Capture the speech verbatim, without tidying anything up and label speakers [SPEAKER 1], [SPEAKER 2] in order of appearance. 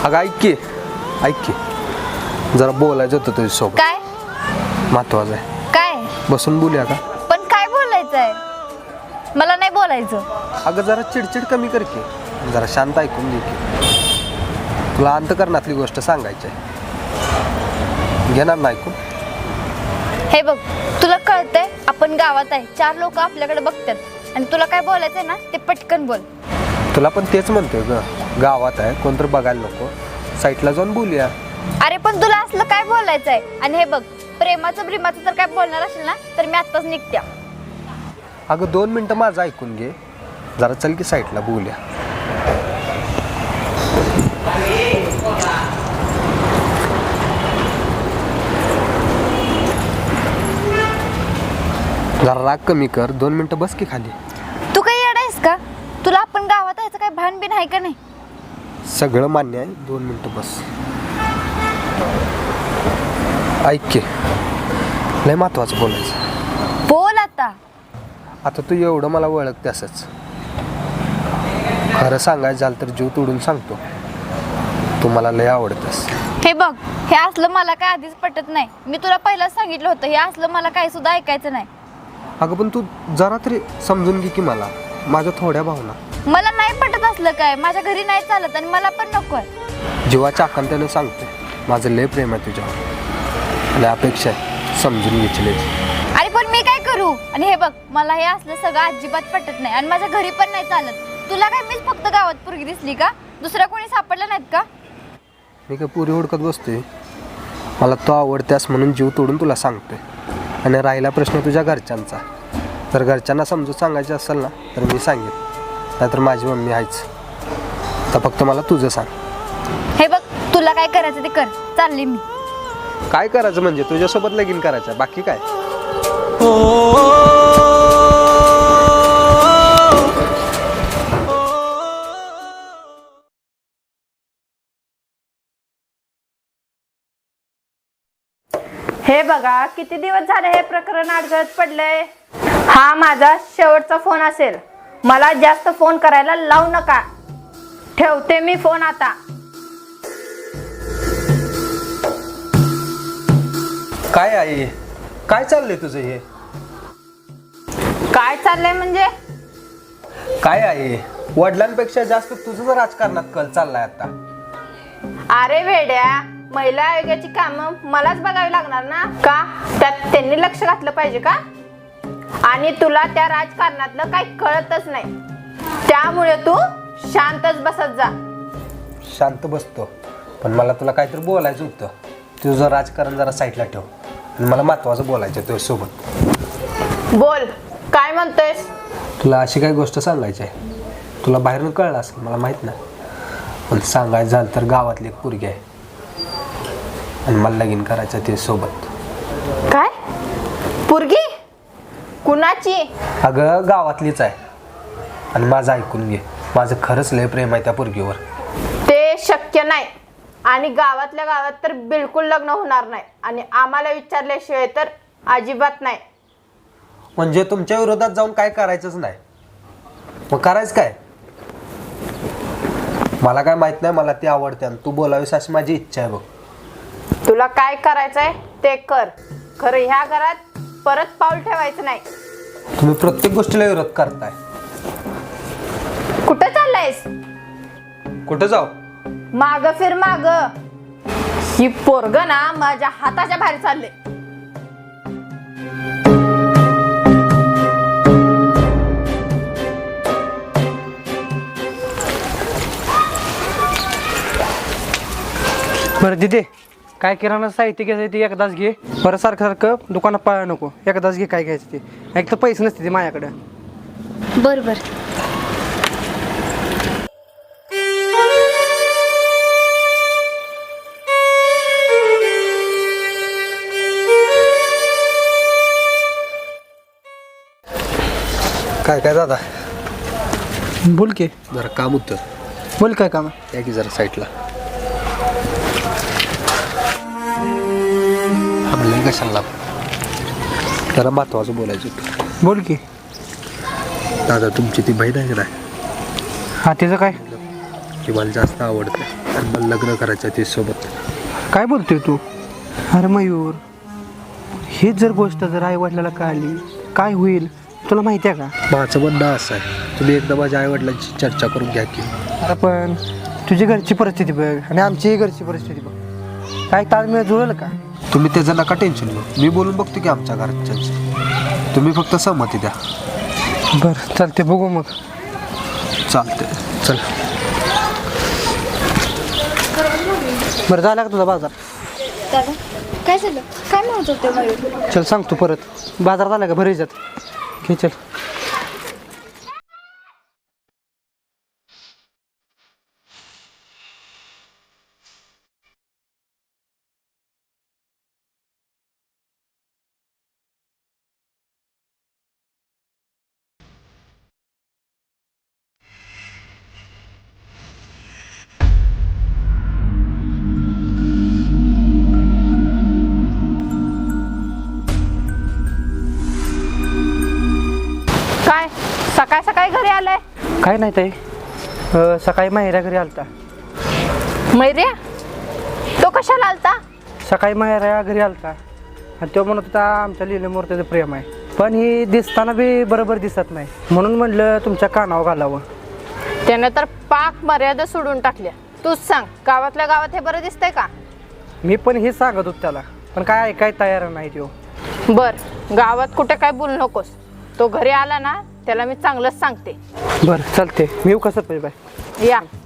[SPEAKER 1] अगं ऐक की ऐक की जरा बोलायचं होतं तुझ्यासोबत.
[SPEAKER 2] काय
[SPEAKER 1] महत्वाचं आहे.
[SPEAKER 2] काय
[SPEAKER 1] बसून बोलूया का?
[SPEAKER 2] पण काय बोलायचंय? मला नाही बोलायचं.
[SPEAKER 1] अगं जरा चिडचिड कमी कर की, जरा शांत ऐकून घे की. तुला अंतकरणातली गोष्ट सांगायची आहे, घेणार ना ऐकून?
[SPEAKER 2] हे बघ, तुला कळतंय आपण गावात आहे, चार लोक आपल्याकडे बघतात आणि तुला काय बोलायचंय ना ते पटकन बोल.
[SPEAKER 1] तुला पण तेच म्हणतोय ग, गावात आहे कोणतर बघायला नको, साईटला जाऊन बोलूया.
[SPEAKER 2] अरे पण तुला असलं काय बोलायचंय? आणि हे बघ, प्रेमाचं प्रेमाचं तर काय बोलणार असेल ना तर मी आत्ताच निघत्या.
[SPEAKER 1] अगं दोन मिनटं माझं ऐकून घे जरा, चल की साईटला बोलूया. जरा राग कमी कर, दोन मिनटं बस की खाली.
[SPEAKER 2] तू काही येडायस का? तुला आपण गावात यायचं काय भान बिन आहे का नाही?
[SPEAKER 1] सगळं मान्य आहे, दोन मिनटं बस. ऐक की, लय महत्वाचं बोलायचं.
[SPEAKER 2] बोल आता.
[SPEAKER 1] आता तू एवढं मला ओळखते असंच, खरं सांगायचं झालं तर जीव तोडून सांगतो, तू मला लय आवडतेस.
[SPEAKER 2] हे बघ, हे असलं मला काय आधीच पटत नाही. मी तुला पहिलाच सांगितलं होतं, हे असलं मला काही सुद्धा ऐकायचं नाही.
[SPEAKER 1] अगं पण तू जरा तरी समजून घे की मला, माझ्या थोड्या भावना.
[SPEAKER 2] मला नाही पटत असलं काय, माझ्या घरी नाही चालत आणि मला पण नकोय.
[SPEAKER 1] जीवाच्या आकांत्याने सांगते, माझं लय प्रेम आहे तुझ्यावर आणि अपेक्षा आहे समजून घेतली.
[SPEAKER 2] अरे पण मी काय करू? आणि हे बघ, मला हे असलं सगळं अजिबात पटत नाही आणि माझ्या घरी पण नाही चालत. तुला काय मीच फक्त गावात पोरगी दिसली का? दुसऱ्या कोणी सापडलं नाहीत का?
[SPEAKER 1] मी काय पुरी हुडकत बसतोय? मला तो आवडत्यास म्हणून जीव तोडून तुला सांगतोय. आणि राहिला प्रश्न तुझ्या घरच्यांचा, जर घरच्यांना समजून सांगायचं असेल ना तर मी सांगेन, नाहीतर माझी मम्मी आहेच. तर फक्त मला तुझं सांग.
[SPEAKER 2] हे बघ, तुला काय करायचं ते कर, चालली मी.
[SPEAKER 1] काय करायचं म्हणजे? तुझ्यासोबत लगीन करायचं, बाकी काय?
[SPEAKER 3] हे बघा, किती दिवस झाले हे प्रकरण अडगळत पडलंय. हा माझा शेवटचा फोन असेल, मला जास्त फोन करायला लावू नका. ठेवते मी फोन आता.
[SPEAKER 1] काय आहे? काय चाललंय तुझं हे?
[SPEAKER 3] काय चाललंय म्हणजे?
[SPEAKER 1] काय आहे? वडिलांपेक्षा जास्त तुझं राजकारणात कल चाललाय आता.
[SPEAKER 3] अरे वेड्या, महिला आयोगाची कामं मलाच बघावी लागणार ना का? त्यात त्यांनी लक्ष घातलं पाहिजे का? आणि तुला त्या राजकारणातलं काही कळतच नाही, त्यामुळे तू शांतच बसत जा.
[SPEAKER 1] शांत बसतो, पण मला तुला काहीतरी बोलायचं होतं. तुझं राजकारण जरा साईडला ठेव आणि मला महत्वाचं बोलायचं तुझ्यासोबत.
[SPEAKER 3] बोल, काय म्हणतोयस?
[SPEAKER 1] तुला अशी काही गोष्ट सांगायची आहे, तुला बाहेरून कळलं असेल मला माहित नाही, पण सांगायचं झालं तर गावातली एक पोरगी आहे आणि मला लगीन करायचं ते सोबत.
[SPEAKER 3] काय? पोरगी? कुणाची?
[SPEAKER 1] अगं गावातलीच आहे आणि माझं ऐकून घे, माझं खरंच लय प्रेम आहे त्या पोरगीवर.
[SPEAKER 3] ते शक्य नाही आणि गावातल्या गावात तर बिलकुल लग्न होणार नाही आणि आम्हाला विचारल्याशिवाय तर अजिबात नाही.
[SPEAKER 1] म्हणजे तुमच्या विरोधात जाऊन काय करायचंच नाही? मग करायचं काय? मला काय माहित नाही, मला ती आवडते आणि तू बोलावीस अशी माझी इच्छा आहे बघ.
[SPEAKER 3] तुला काय करायचंय ते कर, खरं ह्या घरात परत पाऊल ठेवायचं नाही.
[SPEAKER 1] तुम्ही प्रत्येक गोष्टीला विरोध करताय.
[SPEAKER 3] कुठं चाललायस?
[SPEAKER 1] कुठं जाऊ?
[SPEAKER 3] माग फिर माग. ही पोरग ना माझ्या हाताच्या बाहेर चालले.
[SPEAKER 4] बरं दिदे, काय किराणा साहित्य घ्यायचं ते एकदाच घे, बरं सारखं सारखं दुकानात पाळा नको. एकदाच घे काय घ्यायचं ते, एक तर पैसे नसते ते माझ्याकडे.
[SPEAKER 2] बरं बरं.
[SPEAKER 1] काय काय दादा?
[SPEAKER 4] बोल की.
[SPEAKER 1] जरा काम होतं.
[SPEAKER 4] बोल काय काम?
[SPEAKER 1] या की जरा साईडला. थांबलं कशाला? जरा महत्वाचं बोलायचं होतं.
[SPEAKER 4] बोल की.
[SPEAKER 1] दादा तुमची ती बहीण आहे का नाही?
[SPEAKER 4] हा, त्याचं काय?
[SPEAKER 1] ती मला जास्त आवडते आणि मला लग्न करायचं आहे तिच्यासोबत.
[SPEAKER 4] काय बोलतोय तू? अरे मयूर, हीच जर गोष्ट जर आई वडिलाला कळली काय होईल तुला माहिती आहे का?
[SPEAKER 1] माझं म्हणणं असं आहे, तुम्ही एकदा माझ्या आईवडिलांची चर्चा करून घ्या की.
[SPEAKER 4] अरे पण तुझी घरची परिस्थिती बघ आणि आमचीही घरची परिस्थिती बघ, काय ताळमेळ जुळेल का?
[SPEAKER 1] तुम्ही त्याचं नका टेन्शन घेऊ, मी बोलून बघतो की आमच्या घरच्यांची. तुम्ही फक्त सहमती द्या.
[SPEAKER 4] बरं चालते, बघू मग.
[SPEAKER 1] चालते, चल.
[SPEAKER 4] बरं झाला का तुझा बाजार?
[SPEAKER 2] दादा काय झालं? काय म्हणत होते मयूर?
[SPEAKER 4] चल सांगतो परत. बाजारात आला का भरी जात घे चल.
[SPEAKER 3] काय सकाळ सकाळी घरी आलाय?
[SPEAKER 4] काय नाही ताई, अं, सकाळी माहेऱ्या घरी आलता.
[SPEAKER 3] मैर्या तो कशाला आलता?
[SPEAKER 4] सकाळी माहेऱ्या घरी आलता आणि तो म्हणत होता आमच्या लिहिल्यामुळे त्याचं प्रेम आहे, पण ही दिसताना बी बरोबर दिसत नाही, म्हणून म्हणलं तुमच्या कानावर घालावं.
[SPEAKER 3] त्यानं तर पाक मर्यादा सोडून टाकल्या. तूच सांग, गावातल्या गावात हे बरं दिसतंय का?
[SPEAKER 4] मी पण हे सांगत होतो त्याला, पण काय ऐकाय तयार नाही तो.
[SPEAKER 3] बर, गावात कुठे काय बोलू नकोस. तो घरी आला ना त्याला मी चांगलंच सांगते.
[SPEAKER 4] बरं चालते, मी येऊ कसं पाहिजे बाय.
[SPEAKER 3] या.